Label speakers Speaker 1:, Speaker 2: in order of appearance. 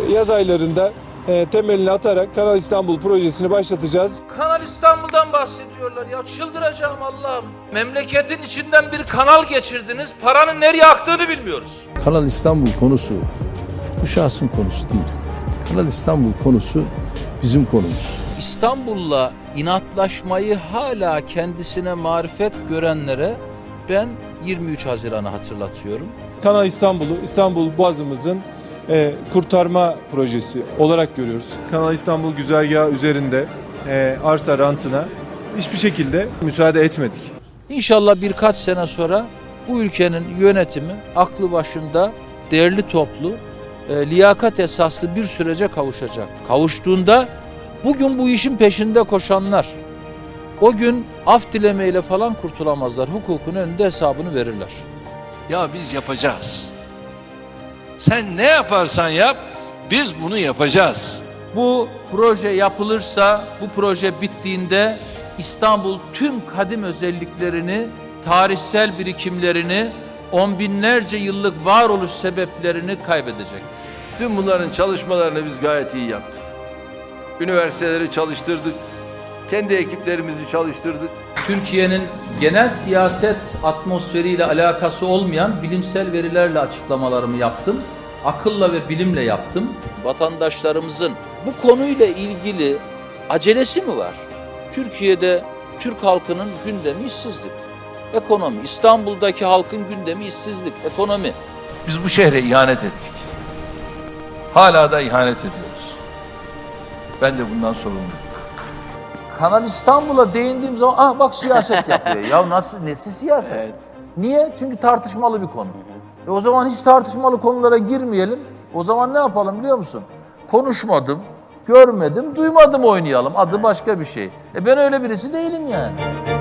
Speaker 1: yaz aylarında temelini atarak Kanal İstanbul projesini başlatacağız.
Speaker 2: Kanal İstanbul'dan bahsediyorlar ya, çıldıracağım Allah'ım. Memleketin içinden bir kanal geçirdiniz, paranın nereye aktığını bilmiyoruz.
Speaker 3: Kanal İstanbul konusu bu şahsın konusu değil. Kanal İstanbul konusu bizim konumuz.
Speaker 2: İstanbul'la inatlaşmayı hala kendisine marifet görenlere ben 23 Haziran'ı hatırlatıyorum.
Speaker 1: Kanal İstanbul'u İstanbul Boğazımızın kurtarma projesi olarak görüyoruz. Kanal İstanbul güzergahı üzerinde arsa rantına hiçbir şekilde müsaade etmedik.
Speaker 2: İnşallah birkaç sene sonra bu ülkenin yönetimi aklı başında, değerli toplu, liyakat esaslı bir sürece kavuşacak. Kavuştuğunda bugün bu işin peşinde koşanlar o gün af dilemeyle falan kurtulamazlar. Hukukun önünde hesabını verirler.
Speaker 4: Ya biz yapacağız. Sen ne yaparsan yap, biz bunu yapacağız.
Speaker 2: Bu proje yapılırsa, bu proje bittiğinde İstanbul tüm kadim özelliklerini, tarihsel birikimlerini, on binlerce yıllık varoluş sebeplerini kaybedecektir.
Speaker 5: Tüm bunların çalışmalarını biz gayet iyi yaptık. Üniversiteleri çalıştırdık, kendi ekiplerimizi çalıştırdık.
Speaker 2: Türkiye'nin genel siyaset atmosferiyle alakası olmayan bilimsel verilerle açıklamalarımı yaptım. Akılla ve bilimle yaptım. Vatandaşlarımızın bu konuyla ilgili acelesi mi var? Türkiye'de Türk halkının gündemi işsizlik, ekonomi. İstanbul'daki halkın gündemi işsizlik, ekonomi.
Speaker 4: Biz bu şehre ihanet ettik. Hala da ihanet ediyoruz. Ben de bundan sorumluyum.
Speaker 2: Kanal İstanbul'a değindiğim zaman bak siyaset yapıyor. Ya nasıl, nesi siyaset? Evet. Niye? Çünkü tartışmalı bir konu. O zaman hiç tartışmalı konulara girmeyelim. O zaman ne yapalım biliyor musun? Konuşmadım, görmedim, duymadım oynayalım. Adı başka bir şey. Ben öyle birisi değilim yani.